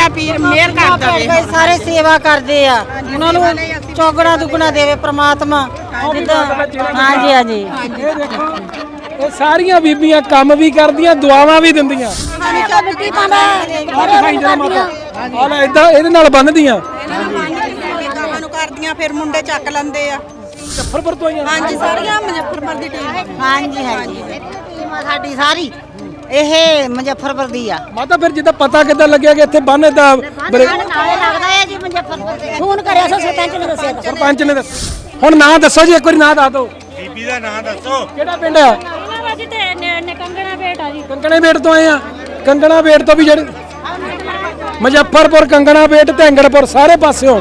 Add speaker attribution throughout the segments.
Speaker 1: ਖਵਾਜਾ ਪੀਰ ਮਿਹਰ ਕਰ ਦੇਵੇ।
Speaker 2: ਸਾਰੇ ਸੇਵਾ ਕਰਦੇ ਆ, ਉਹਨਾਂ ਨੂੰ ਚੌਗਣਾ ਦੁੱਗਣਾ ਦੇਵੇ ਪ੍ਰਮਾਤਮਾ। ਹਾਂਜੀ ਹਾਂਜੀ
Speaker 3: ਇਹ ਦੇਖੋ ਇਹ ਸਾਰੀਆਂ ਬੀਬੀਆਂ ਕੰਮ ਵੀ ਕਰਦੀਆਂ ਦੁਆਵਾਂ ਵੀ ਦਿੰਦੀਆਂ।
Speaker 2: ਮਿੱਟੀ ਪਾਉਂਦਾ
Speaker 3: ਆ ਲੈ ਇਦਾਂ ਇਹਦੇ ਨਾਲ ਬੰਨਦੀਆਂ
Speaker 1: ਗਾਵਾਂ ਨੂੰ ਕਰਦੀਆਂ ਫਿਰ ਮੁੰਡੇ ਚੱਕ ਲੈਂਦੇ ਆ।
Speaker 3: ਮੁਜ਼ੱਫਰਪੁਰ ਤੋਂ ਆਈਆਂ।
Speaker 1: ਹਾਂਜੀ ਸਾਰੀਆਂ ਮੁਜ਼ੱਫਰਪੁਰ ਦੀ ਟੀਮ।
Speaker 2: ਹਾਂਜੀ ਹਾਂਜੀ ਟੀਮ ਆ ਸਾਡੀ ਸਾਰੀ ਇਹ ਮੁਜ਼ੱਫਰਪੁਰ ਦੀ ਆ।
Speaker 3: ਮਾਤਾ ਫਿਰ ਜਿੱਦਾਂ ਪਤਾ ਕਿੱਦਾਂ ਲੱਗਿਆ ਕਿ ਇੱਥੇ ਬੰਨ ਦਾ
Speaker 2: ਨਾਲੇ ਲੱਗਦਾ ਹੈ ਜੀ ਮੁਜ਼ੱਫਰਪੁਰ ਦੇ। ਫੋਨ ਕਰਿਆ ਸੀ ਸਰਪੰਚ ਨੇ ਦੱਸਿਆ ਤਾਂ।
Speaker 3: ਸਰਪੰਚ ਨੇ ਦੱਸ ਹੁਣ ਨਾਂ ਦੱਸੋ ਜੀ, ਇੱਕ ਵਾਰੀ ਨਾਂ ਦੱਸ ਦਿਓ।
Speaker 4: ਬੀਬੀ ਦਾ ਨਾਂ ਦੱਸੋ।
Speaker 3: ਕਿਹੜਾ ਪਿੰਡ ਆ?
Speaker 5: ਜੀ ਤੇ ਕੰਗਣਾ ਬੇਟ ਆ ਜੀ।
Speaker 3: ਕੰਗਣੇ ਬੇਟ ਤੋਂ ਆਏ ਆ। ਕੰਗਣਾ ਬੇਟ ਤੋਂ ਵੀ ਜਿਹੜੇ ਮੁਜ਼ੱਫਰਪੁਰ, ਕੰਗਣਾ ਬੇਟ, ਢੈਂਗੜਪੁਰ ਸਾਰੇ ਪਾਸਿਓਂ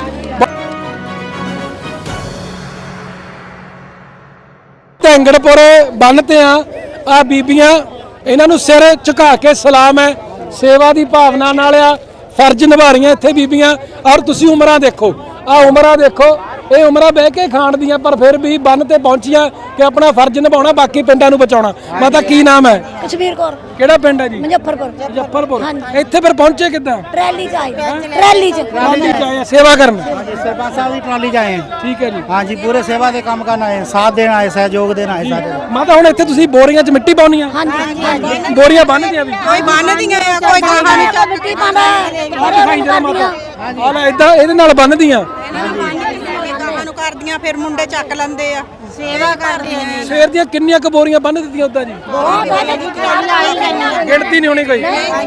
Speaker 3: ਢੈਂਗੜਪੁਰ ਬੰਨ ਤੇ ਆ ਬੀਬੀਆਂ ਇਹਨਾਂ ਨੂੰ ਸਿਰ ਝੁਕਾ ਕੇ ਸਲਾਮ ਹੈ। ਸੇਵਾ ਦੀ ਭਾਵਨਾ ਨਾਲ ਆ ਫਰਜ਼ ਨਿਭਾ ਰਹੀਆਂ ਇੱਥੇ ਬੀਬੀਆਂ। ਔਰ ਤੁਸੀਂ ਉਮਰਾਂ ਦੇਖੋ, ਆ ਉਮਰਾਂ ਦੇਖੋ, ਇਹ ਉਮਰਾਂ ਬਹਿ ਕੇ ਖਾਣ ਦੀਆਂ, ਪਰ ਫਿਰ ਵੀ ਬੰਨ ਤੇ ਪਹੁੰਚੀਆਂ ਕਿ ਆਪਣਾ ਫਰਜ਼ ਨਿਭਾਉਣਾ, ਬਾਕੀ ਪਿੰਡਾਂ ਨੂੰ ਬਚਾਉਣਾ। ਮਾਤਾ ਕੀ ਨਾਮ ਹੈ?
Speaker 2: ਕਸ਼ਮੀਰ ਕੌਰ।
Speaker 3: ਕਿਹੜਾ ਪਿੰਡ ਹੈ ਜੀ?
Speaker 2: ਮੁਜ਼ੱਫਰਪੁਰ।
Speaker 3: ਮੁਜ਼ੱਫਰਪੁਰ। ਇੱਥੇ ਫਿਰ ਪਹੁੰਚੇ ਕਿੱਦਾਂ?
Speaker 2: ਟਰੈਲੀ ਚ ਆਏ। ਟਰੈਲੀ ਚ
Speaker 3: ਆਏ ਸੇਵਾ ਕਰਨ।
Speaker 6: सरपंच साहब की ट्रॉली च आए हैं।
Speaker 3: ਠੀਕ ਹੈ ਜੀ।
Speaker 6: हाँ जी, पूरे सेवा के काम करना है, साथ देना है, सहयोग देना है सारे।
Speaker 3: ਮਾਤਾ ਹੁਣ ਇੱਥੇ ਤੁਸੀਂ ਬੋਰੀਆਂ 'ਚ ਮਿੱਟੀ ਪਾਉਣੀ ਆ?
Speaker 2: ਹਾਂਜੀ
Speaker 3: ਬੋਰੀਆਂ ਬੰਨ੍ਹਦੀਆਂ ਵੀ
Speaker 1: ਕੋਈ ਬੰਨਦੀਆਂ ਆ, ਕੋਈ ਗਾਵਾਂ ਨੂੰ ਚੱਕ
Speaker 2: ਮਿੱਟੀ ਪਾਉਂਦਾ
Speaker 3: ਆ ਲੈ ਇਦਾਂ ਇਹਦੇ ਨਾਲ ਬੰਨ੍ਹਦੀਆਂ।
Speaker 1: ਗਾਵਾਂ ਨੂੰ ਕਰਦੀਆਂ ਫਿਰ ਮੁੰਡੇ ਚੱਕ ਲੈਂਦੇ ਆ।
Speaker 2: ਸੇਵਾ ਕਰਦੇ ਆ ਜੀ।
Speaker 3: ਸਵੇਰ ਦੀਆਂ ਕਿੰਨੀਆਂ ਕੁ ਬੋਰੀਆਂ ਬੰਨ੍ਹ ਦਿੱਤੀਆਂ ਉਦਾਂ ਜੀ?
Speaker 2: ਬਹੁਤ ਹੈ ਜੀ,
Speaker 3: ਗਿਣਤੀ ਨਹੀਂ ਹੋਣੀ ਕੋਈ।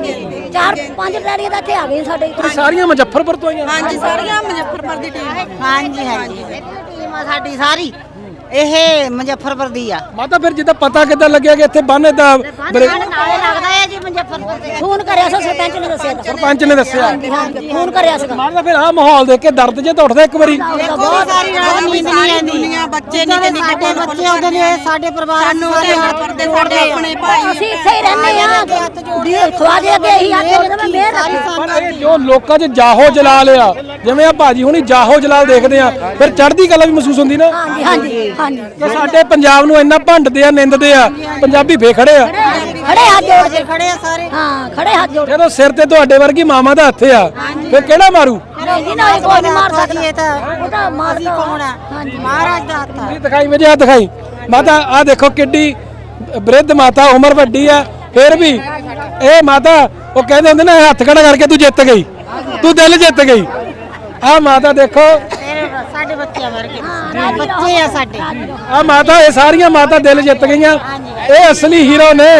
Speaker 2: 4-5 ਟਰੈਲੀਆਂ ਤਾਂ ਇੱਥੇ ਆ ਗਈਆਂ ਸਾਡੇ।
Speaker 3: ਇਹ ਸਾਰੀਆਂ ਮੁਜ਼ੱਫਰਪੁਰ ਤੋਂ ਆਈਆਂ।
Speaker 1: ਹਾਂਜੀ ਸਾਰੀਆਂ ਮੁਜ਼ੱਫਰਪੁਰ ਦੀ ਟੀਮ।
Speaker 2: ਹਾਂਜੀ ਹਾਂਜੀ ਟੀਮ ਆ ਸਾਡੀ ਸਾਰੀ ਇਹ ਮੁਜ਼ੱਫਰਪੁਰ ਦੀ ਆ।
Speaker 3: ਮਾਤਾ ਫਿਰ ਜਿੱਦਾਂ ਪਤਾ ਕਿੱਦਾਂ ਲੱਗਿਆ ਕਿ ਇੱਥੇ ਬੰਨ ਦਾ
Speaker 2: ਨਾਲੇ ਲੱਗਦਾ ਹੈ ਜੀ ਮੁਜ਼ੱਫਰਪੁਰ ਦੇ। ਫੋਨ ਕਰਿਆ ਸੀ ਸਰਪੰਚ ਨੇ ਦੱਸਿਆ ਤਾਂ।
Speaker 3: ਸਰਪੰਚ ਨੇ ਦੱਸਿਆ।
Speaker 2: ਹਾਂਜੀ ਫੋਨ ਕਰਿਆ ਸੀ।
Speaker 3: ਮਾਤਾ ਫਿਰ ਆਹ ਮਾਹੌਲ ਦੇਖ ਕੇ ਦਰਦ ਜੇ ਤਾਂ ਉੱਠਦਾ ਇੱਕ ਵਾਰੀ।
Speaker 2: ਬਹੁਤ ਸਾਰੀ ਰਾਤ ਨੀਂਦ ਨਹੀਂ ਆਉਂਦੀ।
Speaker 1: ਦੁਨੀਆ ਬੱਚੇ ਨਿੱਕੇ ਨਿੱਕੇ
Speaker 2: ਸਾਡੇ ਬੱਚੇ ਉਹਦੇ ਲਈ ਸਾਡੇ ਪਰਿਵਾਰ ਨੂੰ
Speaker 1: ਢੈਂਗੜਪੁਰ ਦੇ ਸਾਡੇ ਆਪਣੇ ਭਾਈ।
Speaker 2: ਅਸੀਂ ਇੱਥੇ ਹੀ ਰਹਿੰਦੇ ਆ। ਖਵਾਜੇ ਅੱਗੇ ਇਹੀ ਹੱਥ ਜੋੜਦੇ ਮੈਂ ਮਿਹਰ
Speaker 3: ਪਰ ਇਹ ਜੋ ਲੋਕਾਂ 'ਚ ਜਾਹੋ ਜਲਾਲ ਆ, ਜਿਵੇਂ ਆ ਭਾਜੀ ਹੁਣੀ ਜਾਹੋ ਜਲਾਲ ਦੇਖਦੇ ਆ, ਫਿਰ ਚੜ੍ਹਦੀ ਕਲਾ ਵੀ ਮਹਿਸੂਸ ਹੁੰਦੀ ਨਾ।
Speaker 2: ਹਾਂਜੀ ਹਾਂਜੀ ਹਾਂਜੀ
Speaker 3: ਕਿ ਸਾਡੇ ਪੰਜਾਬ ਨੂੰ ਇੰਨਾ ਭੰਡਦੇ ਆ, ਨਿੰਦਦੇ ਆ, ਪੰਜਾਬੀ ਫੇ ਖੜੇ ਆ।
Speaker 2: ਖੜੇ ਹੱਥ ਜੋੜ ਕੇ ਖੜੇ ਆ ਸਾਰੇ। ਹਾਂ ਖੜੇ ਹੱਥ ਜੋੜ।
Speaker 3: ਜਦੋਂ ਸਿਰ ਤੇ ਤੁਹਾਡੇ ਵਰਗੀ ਮਾਮਾ ਦਾ ਹੱਥ ਆ, ਫਿਰ ਕਿਹੜਾ ਮਾਰੂ?
Speaker 2: ਨਹੀਂ ਨਾ ਕੋਈ ਨਹੀਂ ਮਾਰ ਸਕਦਾ। ਇਹ ਤਾਂ ਉਹ ਤਾਂ ਮਾਰ ਕੌਣ ਆ? ਹਾਂਜੀ ਮਹਾਰਾਜ ਦਾ ਹੱਥ ਆ।
Speaker 3: ਇਹ ਦਿਖਾਈ ਮੇਰੇ ਆ ਦਿਖਾਈ ਮਾਤਾ, ਆ ਦੇਖੋ ਕਿੱਡੀ ਬ੍ਰਿਧ ਮਾਤਾ, ਉਮਰ ਵੱਡੀ ਆ, ਫਿਰ ਵੀ ਇਹ ਮਾਤਾ ਉਹ ਕਹਿੰਦੇ ਹੁੰਦੇ ਨਾ ਹੱਥ ਖੜਾ ਕਰਕੇ ਤੂੰ ਜਿੱਤ ਗਈ, ਤੂੰ ਦਿਲ ਜਿੱਤ ਗਈ। ਆ ਮਾਤਾ ਦੇਖੋ
Speaker 2: ਸਾਡੇ ਬੱਚਿਆਂ ਵਰਗੇ ਬੱਚੇ ਆ ਸਾਡੇ।
Speaker 3: ਆ ਮਾਤਾ, ਇਹ ਸਾਰੀਆਂ ਮਾਤਾ ਦਿਲ ਜਿੱਤ ਗਈਆਂ। ਇਹ ਅਸਲੀ ਹੀਰੋ ਨੇ।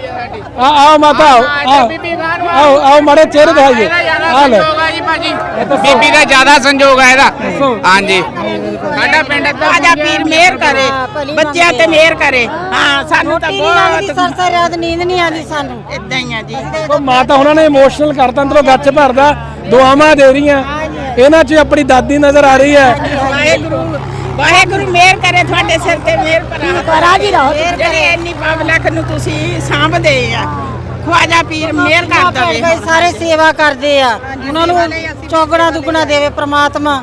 Speaker 3: ਆ ਮਾਤਾ ਆਓ ਆਓ ਮਾੜੇ ਚਿਹਰੇ ਦਿਖਾਈਏ। ਆ ਲੈ
Speaker 7: ਬੀਬੀ ਦਾ ਜ਼ਿਆਦਾ ਸੰਜੋਗ ਹੈ ਇਹਦਾ। ਹਾਂਜੀ ਸਾਡਾ ਪਿੰਡ
Speaker 1: ਖਵਾਜਾ ਪੀਰ ਮਿਹਰ ਕਰੇ, ਬੱਚਿਆਂ ਤੇ ਮਿਹਰ ਕਰੇ। ਹਾਂ ਸਾਨੂੰ ਤਾਂ ਬਹੁਤ
Speaker 2: ਸਰਸਰ ਰਾਤ ਨੀਂਦ ਨਹੀਂ ਆਉਂਦੀ ਸਾਨੂੰ।
Speaker 1: ਇਦਾਂ ਹੀ ਆ ਜੀ।
Speaker 3: ਉਹ ਮਾਤਾ ਉਹਨਾਂ ਨੇ ਇਮੋਸ਼ਨਲ ਕਰਤਾ, ਅੰਦਰੋਂ ਗੱਚ ਭਰਦਾ, ਦੁਆਵਾਂ ਦੇ ਰਹੀਆਂ। ਇਹਨਾਂ 'ਚ ਆਪਣੀ ਦਾਦੀ ਨਜ਼ਰ ਆ ਰਹੀ ਹੈ।
Speaker 1: ਵਾਹਿਗੁਰੂ ਮਿਹਰ ਕਰੇ, ਤੁਹਾਡੇ ਸਿਰ ਤੇ ਮਿਹਰ ਕਰਾ।
Speaker 2: ਰਾਜੀ ਰਹੋ।
Speaker 1: ਜਿਹੜੇ ਇੰਨੀ ਪਬਲਿਕ ਨੂੰ ਤੁਸੀਂ ਸਾਂਭਦੇ ਆ, ਖਵਾਜਾ ਪੀਰ ਮਿਹਰ ਕਰ ਦੇਵੇ।
Speaker 2: ਸਾਰੇ ਸੇਵਾ ਕਰਦੇ ਆ, ਉਹਨਾਂ ਨੂੰ ਚੌਗਣਾ ਦੁੱਗਣਾ ਦੇਵੇ ਪ੍ਰਮਾਤਮਾ।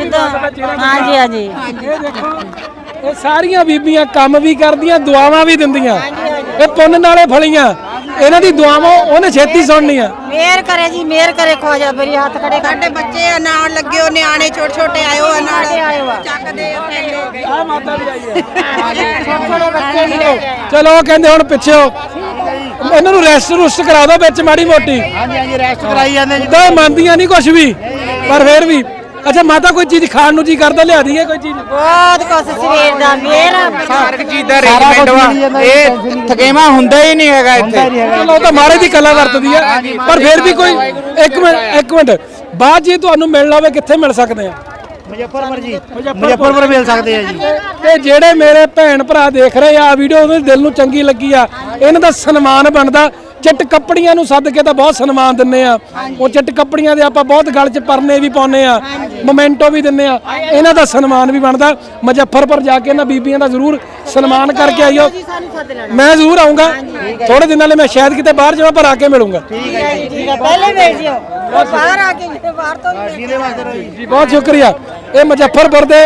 Speaker 2: ਹਾਂਜੀ ਹਾਂਜੀ
Speaker 3: ਇਹ ਦੇਖੋ ਇਹ ਸਾਰੀਆਂ ਬੀਬੀਆਂ ਕੰਮ ਵੀ ਕਰਦੀਆਂ, ਦੁਆਵਾਂ ਵੀ ਦਿੰਦੀਆਂ। ਇਹ ਪੁੰਨ ਨਾਲੇ ਫਲੀਆਂ, ਇਹਨਾਂ ਦੀ ਦੁਆਵਾਂ ਉਹਨੇ ਛੇਤੀ ਸੁਣਨੀਆਂ।
Speaker 2: ਮਿਹਰ ਕਰੇ ਜੀ, ਮਿਹਰ ਕਰੇ ਖਵਾਜਾ। ਮੇਰੀ ਹੱਥ ਖੜੇ ਕਰ।
Speaker 1: ਸਾਡੇ ਬੱਚੇ ਆ ਨਾਲ ਲੱਗੇ, ਉਹ ਨਿਆਣੇ ਛੋਟੇ ਛੋਟੇ ਆਇਓ ਆ ਨਾਲ ਚੱਕਦੇ ਆ ਥੈਲੇ।
Speaker 3: ਆ ਮਾਤਾ ਵੀ ਆਈ ਹੈ।
Speaker 2: ਛੋਟੇ ਬੱਚੇ ਵੀ
Speaker 3: ਚਲੋ ਉਹ ਕਹਿੰਦੇ ਹੁਣ ਪਿੱਛੇ ਇਹਨਾਂ ਨੂੰ ਰੈਸਟ ਰੁਸਟ ਕਰਾ ਦੋ ਵਿੱਚ ਮਾੜੀ ਮੋਟੀ।
Speaker 6: हाँ जी, हाँ जी, रेस्ट कराई जाते जी।
Speaker 3: ਤਾਂ ਮੰਨਦੀਆਂ ਨਹੀਂ ਕੁਛ ਵੀ, ਪਰ ਫਿਰ ਵੀ। ਅੱਛਾ ਮਾਤਾ, ਕੋਈ ਚੀਜ਼ ਖਾਣ ਨੂੰ ਜੀ ਕਰਦਾ, ਲਿਆ ਦਈਏ ਕੋਈ ਚੀਜ਼?
Speaker 2: ਬਹੁਤ ਕੁਛ ਸਵੇਰ ਦਾ ਮਿਹਰ।
Speaker 7: ਹਰ ਚੀਜ਼ ਦਾ ਅਰੇਂਜਮੈਂਟ ਵਾ, ਇਹ ਥਕੇਵਾ ਹੁੰਦਾ ਹੀ ਨਹੀਂ ਹੈਗਾ ਇੱਥੇ।
Speaker 3: ਚਲੋ ਉਹ ਤਾਂ ਮਾਰੇ ਦੀ ਕਲਾ ਵਰਤਦੀ ਆ, ਪਰ ਫਿਰ ਵੀ ਕੋਈ ਇੱਕ ਮਿੰਟ ਬਾਅਦ ਜੇ ਤੁਹਾਨੂੰ ਮਿਲਣਾ ਹੋਵੇ ਕਿੱਥੇ ਮਿਲ ਸਕਦੇ ਆ?
Speaker 6: मुजफ्फरपुर जी, मुजफ्फरपुर मिल सकते हैं जी।
Speaker 3: ਤੇ ਜਿਹੜੇ ਮੇਰੇ ਭੈਣ ਭਰਾ ਦੇਖ ਰਹੇ ਆ ਵੀਡੀਓ, ਉਹਦੇ ਦਿਲ ਨੂੰ ਚੰਗੀ ਲੱਗੀ ਆ, ਇਹਨਾਂ ਦਾ ਸਨਮਾਨ ਬਣਦਾ। ਚਿੱਟ ਕੱਪੜੀਆਂ ਨੂੰ ਸੱਦ ਕੇ ਤਾਂ ਬਹੁਤ ਸਨਮਾਨ ਦਿੰਨੇ ਆ। ਉਹ ਚਿੱਟ ਕੱਪੜੀਆਂ ਦੇ ਆਪਾਂ ਬਹੁਤ ਗਲ 'ਚ ਪਰਨੇ ਵੀ ਪਾਉਨੇ ਆ, ਮੋਮੈਂਟੋ ਵੀ ਦਿੰਨੇ ਆ। ਇਹਨਾਂ ਦਾ ਸਨਮਾਨ ਵੀ ਬਣਦਾ। ਮੁਜ਼ੱਫਰਪੁਰ ਜਾ ਕੇ ਇਹਨਾਂ ਬੀਬੀਆਂ ਦਾ ਜ਼ਰੂਰ ਸਨਮਾਨ ਕਰਕੇ ਆਇਓ। ਮੈਂ ਜ਼ਰੂਰ ਆਉਂਗਾ ਥੋੜੇ ਦਿਨਾਂ ਲਈ। ਮੈਂ ਸ਼ਾਇਦ ਕਿਤੇ ਬਾਹਰ ਜਾਵਾਂ, ਪਰ ਆ ਕੇ ਮਿਲੂੰਗਾ।
Speaker 2: ਪਹਿਲੇ ਮਿਲ ਜਿਓ, ਬਾਹਰ ਆ ਕੇ ਬਾਹਰ ਤੋਂ
Speaker 3: ਜੀ ਬਹੁਤ ਸ਼ੁਕਰੀਆ। ਇਹ ਮੁਜ਼ੱਫਰਪੁਰ ਦੇ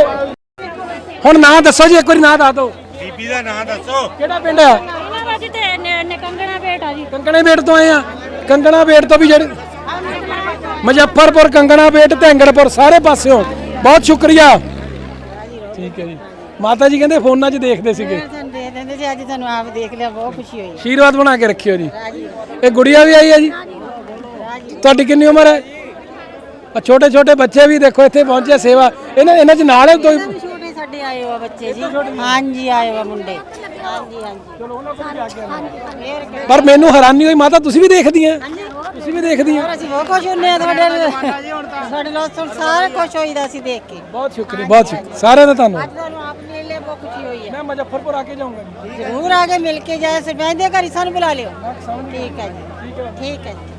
Speaker 3: ਹੁਣ ਨਾਂ ਦੱਸੋ ਜੀ, ਇੱਕ ਵਾਰੀ ਨਾਂ ਦੱਸ ਦਿਓ।
Speaker 4: ਬੀਬੀ ਦਾ ਨਾਂ ਦੱਸੋ।
Speaker 3: ਕਿਹੜਾ ਪਿੰਡ ਆ?
Speaker 5: ਜੀ ਤੇ ਕੰਗਣਾ ਬੇਟ ਆ ਜੀ।
Speaker 3: ਕੰਗਣੇ ਬੇਟ ਤੋਂ ਆਏ ਆ। ਕੰਗਣਾ ਬੇਟ ਤੋਂ ਵੀ ਜਿਹੜੇ ਮੁਜ਼ੱਫਰਪੁਰ, ਕੰਗਣਾ ਬੇਟ, ਢੈਂਗੜਪੁਰ ਸਾਰੇ ਪਾਸਿਓਂ ਬਹੁਤ ਸ਼ੁਕਰੀਆ। ਠੀਕ ਹੈ ਜੀ। ਮਾਤਾ ਜੀ ਕਹਿੰਦੇ ਫੋਨਾਂ 'ਚ ਦੇਖਦੇ ਸੀਗੇ,
Speaker 2: ਸਾਨੂੰ ਦੇ ਦਿੰਦੇ ਸੀ, ਅੱਜ ਤੁਹਾਨੂੰ ਆਪ ਦੇਖ ਲਿਆ, ਬਹੁਤ ਖੁਸ਼ੀ ਹੋਈ।
Speaker 3: ਆਸ਼ੀਰਵਾਦ ਬਣਾ ਕੇ ਰੱਖਿਓ ਜੀ। ਇਹ ਗੁੜੀਆ ਵੀ ਆਈ ਹੈ ਜੀ, ਤੁਹਾਡੀ ਕਿੰਨੀ ਉਮਰ ਹੈ? ਛੋਟੇ ਛੋਟੇ ਬੱਚੇ ਵੀ ਦੇਖੋ ਇੱਥੇ ਪਹੁੰਚੇ ਸੇਵਾ, ਇਹਨਾਂ 'ਚ ਨਾਲ ਹੈ ਕੋਈ?
Speaker 2: ਛੋਟੇ ਸਾਡੇ ਆਏ ਹੋ ਬੱਚੇ ਜੀ, ਹਾਂਜੀ ਆਏ ਹੋ ਮੁੰਡੇ, ਹਾਂਜੀ ਹਾਂਜੀ।
Speaker 3: ਪਰ ਮੈਨੂੰ ਹੈਰਾਨੀ ਹੋਈ ਮਾਤਾ, ਤੁਸੀਂ ਵੀ ਦੇਖਦੀਆਂ? ਤੁਸੀਂ ਵੀ ਦੇਖਦੀਆਂ?
Speaker 2: ਅਸੀਂ ਬਹੁਤ ਖੁਸ਼ ਹੁੰਦੇ ਆ ਤੁਹਾਡੇ ਨਾਲ ਸਾਰੇ ਖੁਸ਼ ਹੋਈਦਾ ਸੀ ਦੇਖ ਕੇ।
Speaker 3: ਬਹੁਤ ਸ਼ੁਕਰੀਆ, ਬਹੁਤ ਸ਼ੁਕਰੀਆ, ਸਾਰਿਆਂ ਦਾ ਧੰਨਵਾਦ।
Speaker 2: ਅੱਜ ਤੁਹਾਨੂੰ ਆਪ ਮਿਲ ਲਿਆ, ਬਹੁਤ ਖੁਸ਼ੀ ਹੋਈ ਹੈ।
Speaker 3: ਮੈਂ ਮੁਜ਼ੱਫਰਪੁਰ ਆ ਕੇ ਜਾਊਂਗਾ ਜੀ।
Speaker 2: ਜ਼ਰੂਰ ਆ ਕੇ ਮਿਲ ਕੇ ਜਾਏ, ਸਰਪੰਚ ਦੇ ਘਰ ਹੀ ਸਾਨੂੰ ਬੁਲਾ ਲਿਓ। ਠੀਕ ਹੈ ਜੀ, ਠੀਕ ਹੈ ਜੀ।